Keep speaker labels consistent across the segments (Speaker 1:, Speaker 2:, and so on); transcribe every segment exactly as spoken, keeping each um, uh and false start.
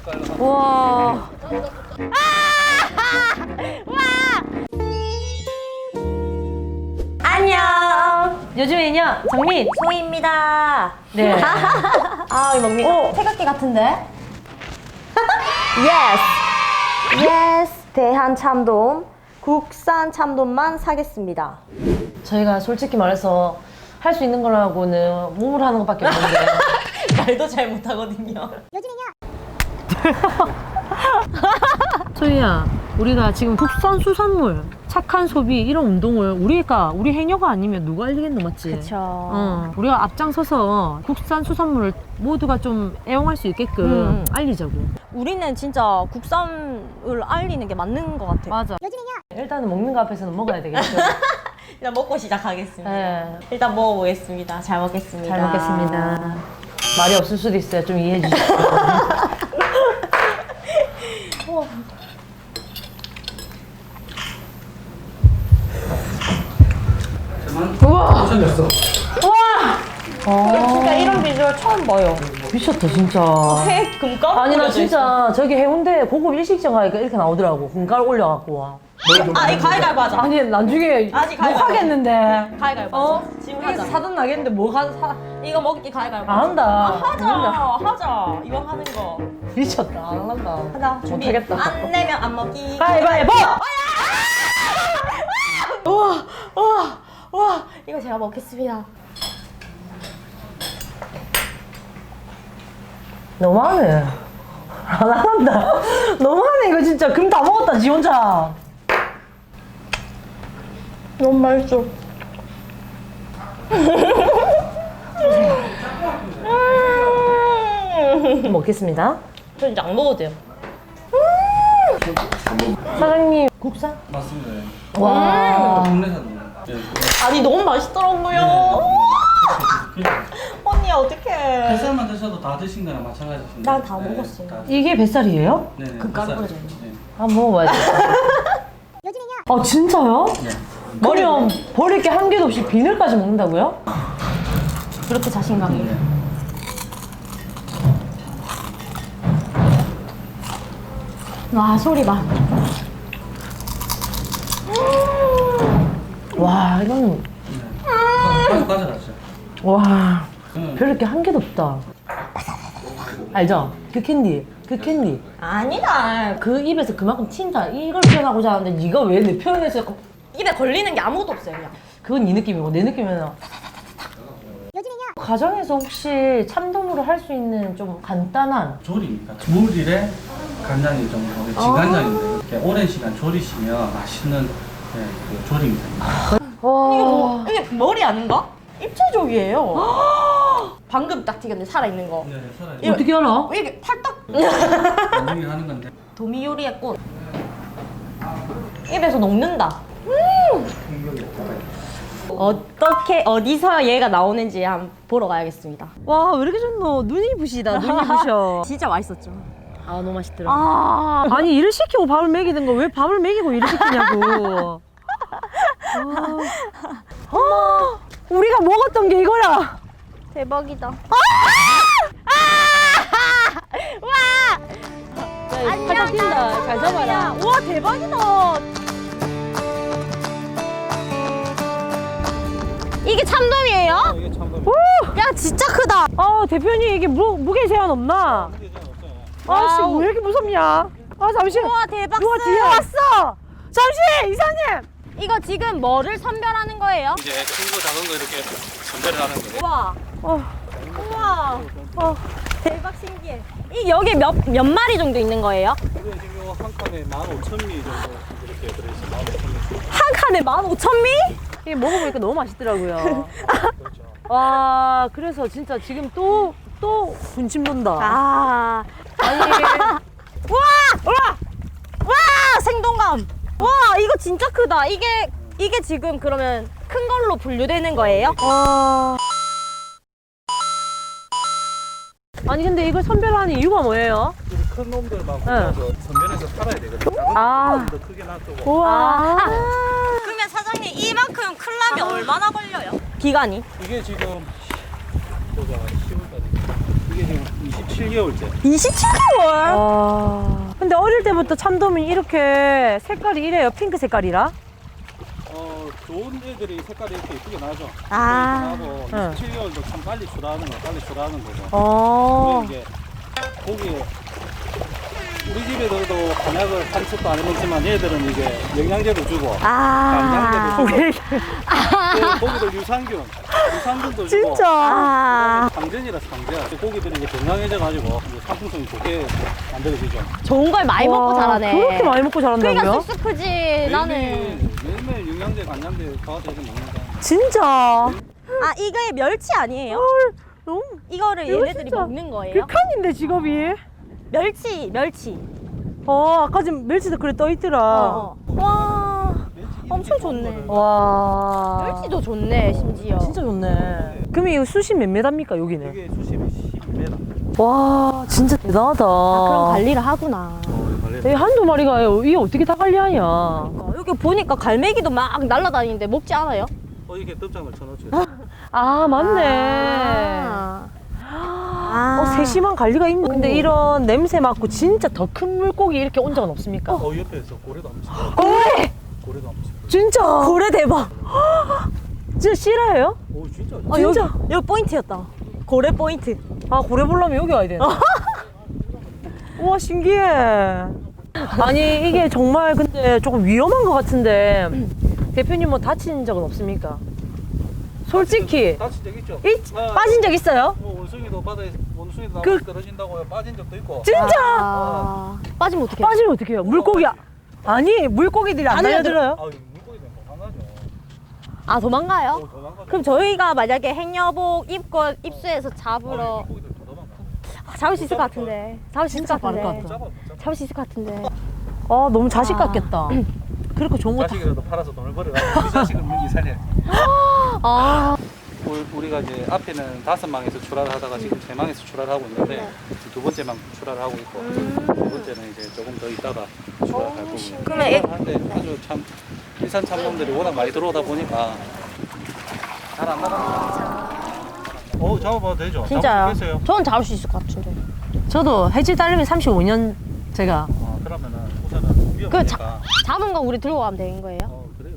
Speaker 1: 와.
Speaker 2: 안녕.
Speaker 1: 요즘에는요, 정민.
Speaker 2: 소희입니다.
Speaker 1: 네.
Speaker 2: 아, 이거 먹니?
Speaker 1: 오.
Speaker 2: 태극기 같은데? 예스. 예스. 대한 참돔. 국산 참돔만 사겠습니다.
Speaker 1: 저희가 솔직히 말해서 할 수 있는 거라고는 몸으로 하는 것밖에 없는데.
Speaker 2: 말도 잘 못하거든요.
Speaker 1: 소희야, 우리가 지금 국산 수산물, 착한 소비 이런 운동을 우리가 우리 해녀가 아니면 누가 알리겠노, 맞지?
Speaker 2: 그쵸.
Speaker 1: 어, 우리가 앞장서서 국산 수산물을 모두가 좀 애용할 수 있게끔
Speaker 2: 음.
Speaker 1: 알리자고.
Speaker 2: 우리는 진짜 국산을 알리는 게 맞는 것 같아요.
Speaker 1: 맞아. 일단은 먹는 거 앞에서는 먹어야 되겠죠.
Speaker 2: 일단 먹고 시작하겠습니다.
Speaker 1: 네.
Speaker 2: 일단 먹어보겠습니다. 잘 먹겠습니다.
Speaker 1: 잘 먹겠습니다. 말이 없을 수도 있어요. 좀 이해해 주시고.
Speaker 3: 우와! 잘렸어.
Speaker 2: 진짜 이런 비주얼 처음 봐요.
Speaker 1: 미쳤다 진짜.
Speaker 2: 회 금가루
Speaker 1: 아니 나
Speaker 2: 뿌려져
Speaker 1: 진짜 저기 해운대 고급 일식점 가니까 이렇게 나오더라고. 금가루 올려갖고.
Speaker 2: 있어. 아, 이 가위가위보 하자.
Speaker 1: 아니 나중에
Speaker 2: 아직
Speaker 1: 못
Speaker 2: 가위바위보.
Speaker 1: 하겠는데.
Speaker 2: 가위가위보
Speaker 1: 어?
Speaker 2: 하자. 지금
Speaker 1: 이게
Speaker 2: 하자.
Speaker 1: 사든 나겠는데 뭐가 사?
Speaker 2: 이거 먹기 가위가위보
Speaker 1: 안 한다.
Speaker 2: 아,
Speaker 1: 안
Speaker 2: 하자.
Speaker 1: 한다.
Speaker 2: 하자. 이거 하는 거.
Speaker 1: 미쳤다. 안 한다.
Speaker 2: 하자. 준비.
Speaker 1: 못하겠다.
Speaker 2: 안 내면 안 먹기.
Speaker 1: 가위바위보!
Speaker 2: 우와, 우와, 우와. 이거 제가 먹겠습니다.
Speaker 1: 너무하네. 안 한다. 너무하네 이거 진짜. 금 다 먹었다 지 혼자.
Speaker 2: 너무 맛있어.
Speaker 1: 먹겠습니다.
Speaker 2: 저 이제 안 먹어도 돼요.
Speaker 1: 사장님 국산?
Speaker 3: 맞습니다.
Speaker 1: 와.
Speaker 3: 국내산. 예.
Speaker 2: 아니, 너무 맛있더라고요. 언니, 어떡해.
Speaker 3: 뱃살만 드셔도 다 드신 거랑 마찬가지입니다.
Speaker 2: 난다 먹었어요.
Speaker 3: 다-
Speaker 1: 이게 뱃살이에요?
Speaker 3: 네네.
Speaker 2: 금가루
Speaker 3: 뱃살.
Speaker 2: 뿌려져 있는
Speaker 3: 네.
Speaker 1: 한번 먹어봐야지. 아 진짜요?
Speaker 3: 네.
Speaker 1: 그럼 버릴 게 한 개도 없이 비늘까지 먹는다고요?
Speaker 2: 그렇게 자신감이.
Speaker 3: 네.
Speaker 2: 와, 소리 봐.
Speaker 1: 와 이건
Speaker 3: 가져 가져가죠.
Speaker 1: 와
Speaker 3: 응.
Speaker 1: 별게 한 개도 없다. 알죠? 그 캔디, 그 캔디.
Speaker 2: 아니다.
Speaker 1: 그 입에서 그만큼 튄다. 이걸 표현하고자 하는데 네가 왜 내 표현해서 자꾸-
Speaker 2: 입에 걸리는 게 아무것도 없어요, 그냥.
Speaker 1: 그건 네 느낌이고 내 느낌은 가정에서 혹시 참돔으로 할 수 있는 좀 간단한
Speaker 3: 조리입니다. 물일에 간장이 정도, 진간장인데 이렇게 오랜 시간 조리시면 맛있는 네, 그 조리입니다.
Speaker 1: 와
Speaker 2: 이게 뭐, 이게 머리 아닌가? 입체족이에요. 방금 딱 튀겼는데 살아있는 거.
Speaker 3: 네, 네, 살아요.
Speaker 2: 이거-
Speaker 1: 어떻게 알아?
Speaker 2: 이게 팔딱.
Speaker 3: 나중에 하는 건데.
Speaker 2: 도미 요리의 꽃. 입에서 녹는다. 음! 어떻게 어디서 얘가 나오는지 한번 보러 가야겠습니다.
Speaker 1: 와 왜 이렇게 좋노? 눈이 부시다. 눈이 부셔.
Speaker 2: 진짜 맛있었죠.
Speaker 1: 아 너무 맛있더라.
Speaker 2: 아,
Speaker 1: 아니 일을 시키고 밥을 먹이는 거 왜 밥을 먹이고 일을 시키냐고. 아, 아, 우리가 먹었던 게 이거야.
Speaker 2: 대박이다.
Speaker 1: 팔딱 뛴다. 잘 잡아라.
Speaker 2: 와, 대박이다. 이게 참돔이에요?
Speaker 3: 이게 참
Speaker 2: 야, 진짜 크다.
Speaker 1: 아 대표님 이게 무, 무게 제한 없나? 아씨
Speaker 2: 와우.
Speaker 1: 왜 이렇게 무섭냐? 아 잠시.
Speaker 2: 우와, 대박.
Speaker 1: 누가 뒤에 왔어? 잠시 이사님.
Speaker 2: 이거 지금 뭐를 선별하는 거예요?
Speaker 3: 이제 큰 거 작은 거 이렇게 선별을 하는 거예요.
Speaker 2: 우와.
Speaker 1: 어,
Speaker 2: 우와. 어, 대박 신기해. 이 여기 몇, 몇 마리 정도 있는 거예요?
Speaker 3: 이건 지금 한 칸에 만 오천 미 정도 이렇게 들어있어요. 만 오천 미.
Speaker 2: 한 칸에 만 오천 미?
Speaker 1: 이게 먹어보니까 너무 맛있더라고요. 와 그래서 진짜 지금 또 또 군침 돈다.
Speaker 2: 아.
Speaker 1: 아니
Speaker 2: 우와! 우와! 와! 생동감. 와, 이거 진짜 크다. 이게 이게 지금 그러면 큰 걸로 분류되는 거예요?
Speaker 1: 어... 아니 근데 이걸 선별하는 이유가 뭐예요?
Speaker 3: 큰 놈들만
Speaker 1: 네.
Speaker 3: 골라서 선별해서 팔아야 되거든요. 작은
Speaker 1: 아.
Speaker 3: 놈들은 더 크게 놔두고.
Speaker 1: 우와.
Speaker 2: 그러면 사장님 이만큼 클라면 얼마나 걸려요? 기간이?
Speaker 3: 이게 지금 보자 시월까지. 이게 지금 이십칠 개월째.
Speaker 2: 이십칠 개월?
Speaker 1: 와. 언제부터 참돔이 이렇게 색깔이 이래요? 핑크 색깔이라?
Speaker 4: 어, 좋은 애들이 색깔이 이렇게 예쁘게 나죠.
Speaker 2: 아.
Speaker 4: 하고
Speaker 1: 응.
Speaker 4: 칠 개월도 참 빨리 출하하는 거, 빨리 출하하는 거죠.
Speaker 1: 어.
Speaker 4: 그리고 이게 고기 우리 집에서도 한약을 한식도 안 해먹지만 얘들은 이게 영양제도 주고
Speaker 2: 아.
Speaker 4: 간장제도 주고 그 고기들 유산균, 유산균도 주고
Speaker 1: 진짜?
Speaker 2: 아.
Speaker 4: 상전이라 상전. 고기들이 이제 건강해져가지고 이제 상품성이 좋게 만들어지죠.
Speaker 2: 좋은 걸 많이 먹고
Speaker 1: 와,
Speaker 2: 자라네.
Speaker 1: 그렇게 많이 먹고 자란다고요?
Speaker 2: 그러니까 쑥쑥 크지. 나는.
Speaker 4: 매일매일, 매일매일 영양제, 간장제 가서 이렇게 먹는 거.
Speaker 1: 진짜?
Speaker 2: 아, 이게 멸치 아니에요?
Speaker 1: 너무
Speaker 2: 이거를
Speaker 1: 이거
Speaker 2: 얘네들이
Speaker 1: 진짜
Speaker 2: 먹는 거예요?
Speaker 1: 극한인데 직업이?
Speaker 2: 멸치, 멸치.
Speaker 1: 어 아까 지금 멸치도 그래 떠있더라.
Speaker 2: 어. 와. 엄청 좋네.
Speaker 1: 와.
Speaker 2: 멸치도 좋네, 심지어.
Speaker 1: 진짜 좋네. 그럼 이거 수심 몇 메다입니까 여기는?
Speaker 4: 이게 수심이 십 미터.
Speaker 1: 와 진짜 대단하다.
Speaker 2: 아, 그럼 관리를 하구나.
Speaker 1: 이 한두 마리가 이게 어떻게 다 관리하냐?
Speaker 2: 어, 여기 보니까 갈매기도 막 날아다니는데 먹지 않아요?
Speaker 4: 어, 이게 뜸장을 쳐놓죠.
Speaker 1: 아 맞네.
Speaker 2: 아. 아.
Speaker 1: 어, 세심한 관리가 있네. 근데
Speaker 2: 오.
Speaker 1: 이런 냄새 맡고 진짜 더 큰 물고기 이렇게 온 적은 없습니까?
Speaker 4: 어, 옆에서 고래도 한번 치고.
Speaker 1: 고래!
Speaker 4: 고래도 한번 치고.
Speaker 1: 진짜?
Speaker 2: 고래 대박.
Speaker 1: 진짜 실화예요?
Speaker 4: 오, 진짜.
Speaker 2: 아,
Speaker 1: 진짜?
Speaker 2: 여기, 여기 포인트였다. 고래 포인트.
Speaker 1: 아 고래 보려면 여기 와야 되네. 우와 신기해. 아니 이게 정말 근데 조금 위험한 것 같은데 대표님 뭐 다친 적은 없습니까? 솔직히
Speaker 4: 다친 적 있죠?
Speaker 1: 이,
Speaker 4: 아,
Speaker 1: 빠진 적 있어요?
Speaker 4: 뭐 원숭이도 바다에 원숭이도
Speaker 1: 그-
Speaker 4: 나무에 떨어진다고 빠진 적도 있고.
Speaker 1: 진짜?
Speaker 2: 아. 빠지면 어떡해?
Speaker 1: 빠지면 어떡해요? 물고기 아- 아니 물고기들이 안 달려들어요?
Speaker 4: 아, 물고기는 강하죠.
Speaker 2: 아, 도망가요?
Speaker 4: 어, 도망가죠.
Speaker 2: 그럼 저희가 만약에 행여복 입고 입수해서
Speaker 4: 아,
Speaker 2: 잡으러
Speaker 4: 물고기들 더 도망가.
Speaker 2: 아, 잡을 수 있을 것 같은데. 잡을 수 있을 것
Speaker 1: 빠를 것
Speaker 2: 같은데.
Speaker 1: 같다.
Speaker 4: 잡아, 못 잡아.
Speaker 2: 잡을 수 있을 것 같은데.
Speaker 1: 아 너무 자식
Speaker 2: 아.
Speaker 1: 같겠다. 그렇게 좋은 거 다.
Speaker 4: 자식이라도 팔아서 돈을 벌어가지고 그 자식을 민기 살려야지.
Speaker 2: 아.
Speaker 4: 우리- 우리가 이제 앞에는 다섯 망에서 출하를 하다가 지금 세 망에서 출하를 하고 있는데 두 번째 망 출하를 하고 있고 두 번째는 이제 조금 더 있다가 출하할 거고.
Speaker 2: 그러면 애-
Speaker 4: 한데 아주 참 일산 참돔들이 워낙 많이 들어오다 보니까 잘 안 나가는 어, 잡아봐도 되죠?
Speaker 2: 진짜요?
Speaker 4: 잡겠어요?
Speaker 2: 저는 잡을 수 있을 것 같은데.
Speaker 1: 저도 해질 딸님이 삼십오 년 제가
Speaker 4: 어, 그러면은 우선은
Speaker 2: 그
Speaker 4: 위험하니까.
Speaker 2: 자, 잡은 거 우리 들고 가면 되는 거예요?
Speaker 4: 어, 그래요.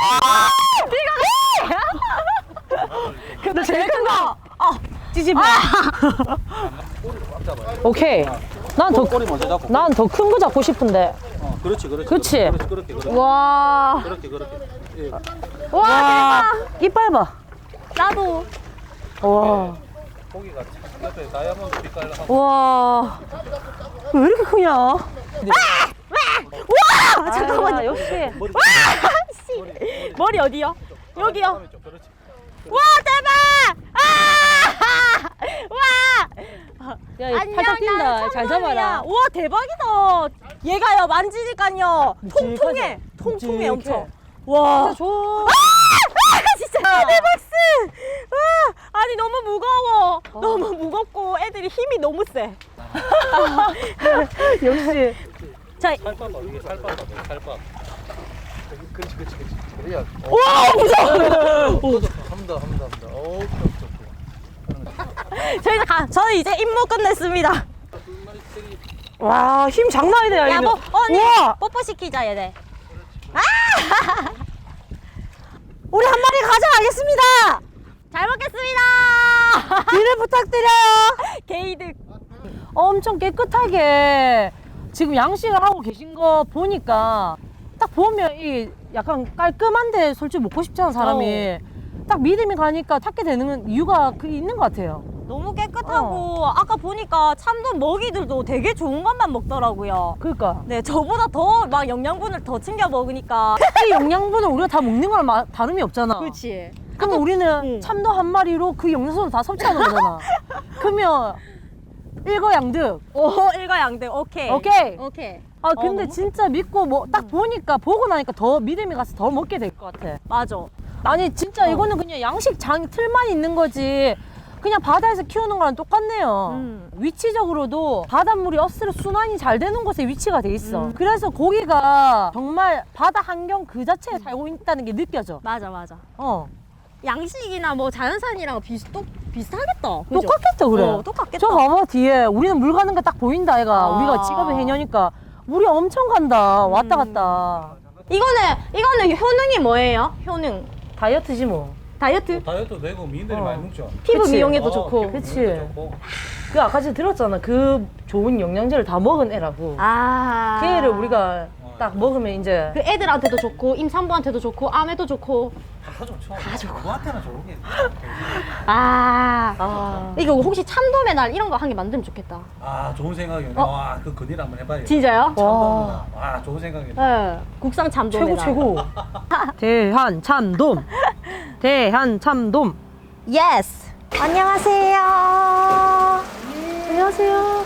Speaker 1: 근데 제일 큰 거. 어 찌집어.
Speaker 4: 꼬리를 꽉 잡아요.
Speaker 1: 오케이. 난 더
Speaker 4: 꼬리 먼저 잡고.
Speaker 1: 난 더 큰 거 잡고 싶은데.
Speaker 4: 어, 그렇지, 그렇지.
Speaker 1: 그치?
Speaker 4: 그렇지, 그렇게, 그렇게.
Speaker 2: 와.
Speaker 4: 그렇게, 그렇게. 예.
Speaker 2: 와,
Speaker 1: 이빨 봐.
Speaker 2: 대박. 나도.
Speaker 1: 와.
Speaker 4: 고기가 참 옆에 다이아몬드 빛깔 하고.
Speaker 1: 와. 왜 이렇게 크냐?
Speaker 2: 와!
Speaker 1: 아,
Speaker 2: 잠깐만요.
Speaker 1: 역시.
Speaker 4: 머리,
Speaker 2: 씨.
Speaker 4: 머리, 머리.
Speaker 2: 머리 어디요? 여기요.
Speaker 4: 다음에 좀 그렇지.
Speaker 2: 와, 대박! 아! 와!
Speaker 1: 야, 이거 팔딱 뛴다. 잘 잡아라.
Speaker 2: 와, 대박이다. 얘가요, 만지니까요.
Speaker 1: 묵직하죠?
Speaker 2: 통통해. 통통해,
Speaker 1: 묵직해.
Speaker 2: 엄청. 와.
Speaker 1: 줘.
Speaker 2: 아, 진짜 대박스! 와, 아니 너무 무거워.
Speaker 1: 어.
Speaker 2: 너무 무겁고 애들이 힘이 너무 세.
Speaker 1: 역시.
Speaker 2: 자,
Speaker 4: 살밥 봐, 이게 살밥 봐, 살밥. 그렇지, 그렇지, 그렇지. 그래야.
Speaker 2: 와, 무서워.
Speaker 4: 한다, 한다, 한다. 어, 오케이, 오케이.
Speaker 2: 저희는 가. 저는 이제 임무 끝냈습니다.
Speaker 1: 와, 힘 장난 아니네,
Speaker 2: 야,
Speaker 1: 얘는.
Speaker 2: 뭐 언니
Speaker 1: 우와.
Speaker 2: 뽀뽀 시키자 얘네. 아! 우리 한 마리 가져가겠습니다. 잘 먹겠습니다.
Speaker 1: 뒤를 부탁드려요.
Speaker 2: 게이득.
Speaker 1: 엄청 깨끗하게 지금 양식을 하고 계신 거 보니까 딱 보면 이 약간 깔끔한데 솔직히 먹고 싶잖아 사람이. 딱 믿음이 가니까 찾게 되는 이유가 그 있는 것 같아요.
Speaker 2: 너무 깨끗하고 아까 보니까 참돔 먹이들도 되게 좋은 것만 먹더라고요.
Speaker 1: 그러니까
Speaker 2: 네, 저보다 더 막 영양분을 더 챙겨 먹으니까.
Speaker 1: 이 영양분은 우리가 다 먹는 거랑 마- 다름이 없잖아.
Speaker 2: 그렇지.
Speaker 1: 그럼 우리는
Speaker 2: 응.
Speaker 1: 참돔 한 마리로 그 영양소를 다 섭취하는 거잖아. 그러면 일거양득.
Speaker 2: 오, 일과양득. 오케이.
Speaker 1: 오케이.
Speaker 2: 오케이.
Speaker 1: 아
Speaker 2: 어,
Speaker 1: 근데
Speaker 2: 너무-
Speaker 1: 진짜 믿고 뭐 딱 보니까 보고 나니까 더 믿음이 가서 더 먹게 될 것 같아.
Speaker 2: 맞아.
Speaker 1: 아니 진짜 이거는 그냥 양식장 틀만 있는 거지 그냥 바다에서 키우는 거랑 똑같네요.
Speaker 2: 음.
Speaker 1: 위치적으로도 바닷물이 어스로 순환이 잘 되는 곳에 위치가 돼 있어.
Speaker 2: 음.
Speaker 1: 그래서 고기가 정말 바다 환경 그 자체에 살고 있다는 게 느껴져.
Speaker 2: 맞아, 맞아.
Speaker 1: 어.
Speaker 2: 양식이나 뭐 자연산이랑 비슷, 똑, 비슷하겠다. 그죠?
Speaker 1: 똑같겠다 그래.
Speaker 2: 어, 똑같겠다.
Speaker 1: 저 봐봐 뒤에 우리는 물 가는 게 딱 보인다 애가.
Speaker 2: 아.
Speaker 1: 우리가 직업이 해녀니까 물이 엄청 간다. 왔다 갔다.
Speaker 2: 이거는 이거는 효능이 뭐예요? 효능.
Speaker 1: 다이어트지 뭐.
Speaker 2: 다이어트?
Speaker 4: 다이어트 되고 미인들이
Speaker 1: 어.
Speaker 4: 많이 먹죠.
Speaker 2: 피부
Speaker 1: 그치.
Speaker 2: 미용에도
Speaker 4: 어,
Speaker 2: 좋고.
Speaker 4: 피부
Speaker 1: 그치.
Speaker 4: 미용에도 좋고.
Speaker 1: 그 아까 전에 들었잖아. 그 좋은 영양제를 다 먹은 애라고.
Speaker 2: 아.
Speaker 1: 그 애를 우리가 딱 먹으면 이제
Speaker 2: 그 애들한테도 좋고 임산부한테도 좋고 암에도 좋고.
Speaker 4: 다 좋죠. 다 좋고. 누구한테나 좋은 게.
Speaker 2: 아.
Speaker 1: 아.
Speaker 2: 이거 혹시 참돔의 날 이런 거 한 개 만들면 좋겠다.
Speaker 4: 아 좋은 생각이네.
Speaker 2: 어?
Speaker 4: 와, 그 근일 한번 해봐요.
Speaker 2: 진짜요?
Speaker 4: 참돔이다. 와, 좋은 생각이네.
Speaker 2: 네. 국산 참돔의
Speaker 1: 최고
Speaker 2: 날.
Speaker 1: 최고. 대한 참돔. 대한 참돔.
Speaker 2: 예스. 안녕하세요.
Speaker 1: 안녕하세요.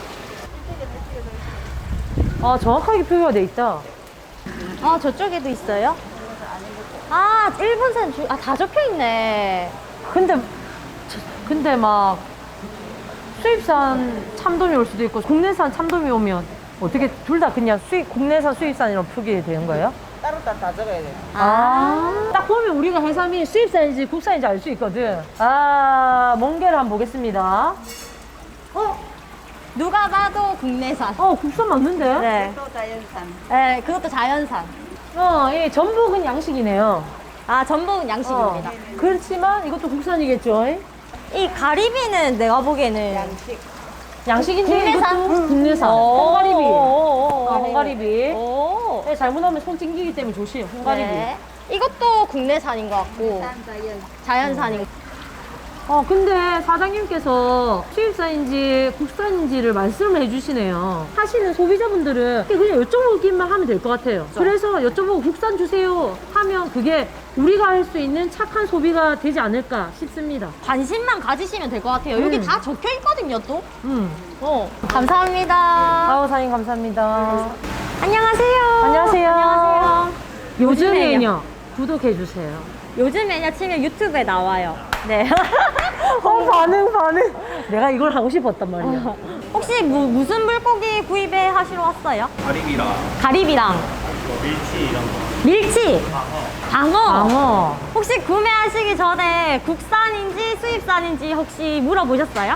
Speaker 1: 아 정확하게 표기가 돼 있다.
Speaker 2: 아 저쪽에도 있어요? 아 일본산 주... 아다 적혀 있네.
Speaker 1: 근데 근데 막 수입산 참돔이 올 수도 있고 국내산 참돔이 오면 어떻게 둘 다 그냥 수입 국내산 수입산이라고 표기되는 거예요?
Speaker 5: 따로 다, 다 적어야 돼.
Speaker 1: 아, 딱 보면 우리가 해삼이 수입산인지 국산인지 알 수 있거든. 아, 멍게를 한번 보겠습니다.
Speaker 2: 어? 누가 봐도 국내산.
Speaker 1: 어, 국산 맞는데?
Speaker 2: 네.
Speaker 5: 또 자연산.
Speaker 2: 네, 그것도 자연산.
Speaker 1: 어, 이 전복은 양식이네요.
Speaker 2: 아, 전복은 양식입니다.
Speaker 1: 어, 그렇지만 이것도 국산이겠죠?
Speaker 2: 이 가리비는 내가 보기에는
Speaker 5: 양식.
Speaker 1: 양식인지
Speaker 2: 국내산?
Speaker 1: 이것도 국내산.
Speaker 2: 오.
Speaker 1: 홍가리비.
Speaker 2: 오.
Speaker 1: 어, 홍가리비.
Speaker 2: 오.
Speaker 1: 네, 잘못하면 손 찡기기 때문에 조심. 홍가리비.
Speaker 2: 네. 이것도 국내산인 것 같고
Speaker 5: 산 자연.
Speaker 2: 자연산인.
Speaker 1: 어, 근데 사장님께서 수입산인지 국산인지를 말씀을 해주시네요. 하시는 소비자분들은 그냥 여쭤보기만 하면 될 것 같아요. 그래서 여쭤보고 국산 주세요 하면 그게 우리가 할 수 있는 착한 소비가 되지 않을까 싶습니다.
Speaker 2: 관심만 가지시면 될 것 같아요. 여기
Speaker 1: 음.
Speaker 2: 다 적혀 있거든요, 또.
Speaker 1: 음.
Speaker 2: 어. 감사합니다.
Speaker 1: 아우, 사장님 감사합니다.
Speaker 2: 안녕하세요.
Speaker 1: 안녕하세요.
Speaker 2: 안녕하세요.
Speaker 1: 요즘에는요, 구독해주세요.
Speaker 2: 요즘에냐 치면 유튜브에 나와요. 네.
Speaker 1: 어, 반응, 반응. 내가 이걸 하고 싶었단 말이야.
Speaker 2: 혹시 무, 무슨 물고기 구입해 하시러 왔어요?
Speaker 4: 가리비랑
Speaker 2: 가리비랑
Speaker 4: 밀치 이런 거.
Speaker 2: 밀치, 방어.
Speaker 1: 방어.
Speaker 2: 혹시 구매하시기 전에 국산인지 수입산인지 혹시 물어보셨어요?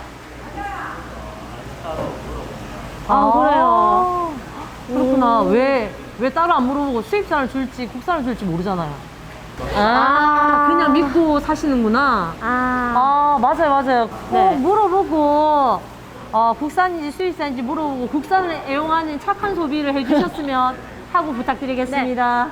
Speaker 1: 아, 그래요. 그렇구나. 왜, 왜 따로 안 물어보고 수입산을 줄지 국산을 줄지 모르잖아요. 아, 그냥 믿고 사시는구나.
Speaker 2: 아,
Speaker 1: 아, 맞아요, 맞아요. 꼭
Speaker 2: 네.
Speaker 1: 물어보고, 어, 국산인지 수입산인지 물어보고 국산을 애용하는 착한 소비를 해주셨으면 하고 부탁드리겠습니다.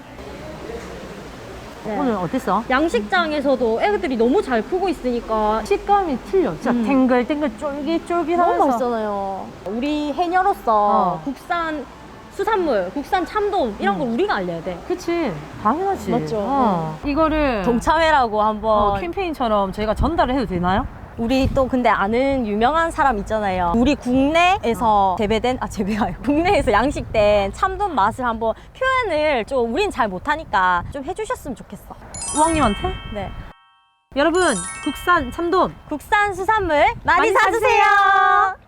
Speaker 2: 네.
Speaker 1: 오늘 어땠어?
Speaker 2: 양식장에서도 애들이 너무 잘 크고 있으니까
Speaker 1: 식감이 틀려. 진짜
Speaker 2: 음.
Speaker 1: 탱글탱글 쫄깃쫄깃
Speaker 2: 너무
Speaker 1: 하면서.
Speaker 2: 맛있잖아요. 우리 해녀로서
Speaker 1: 어.
Speaker 2: 국산 수산물, 국산 참돔 이런 걸 우리가 알려야 돼.
Speaker 1: 그치. 당연하지.
Speaker 2: 맞죠.
Speaker 1: 어. 이거를
Speaker 2: 동참회라고 한번
Speaker 1: 어, 캠페인처럼 저희가 전달을 해도 되나요?
Speaker 2: 우리 또 근데 아는 유명한 사람 있잖아요. 우리 국내에서 재배된 아 재배가 아니고 국내에서 양식된 참돔 맛을 한번 표현을 좀 우린 잘 못하니까 좀 해주셨으면 좋겠어.
Speaker 1: 우왕님한테?
Speaker 2: 네.
Speaker 1: 여러분, 국산 참돔
Speaker 2: 국산 수산물 많이,
Speaker 1: 많이
Speaker 2: 사주세요.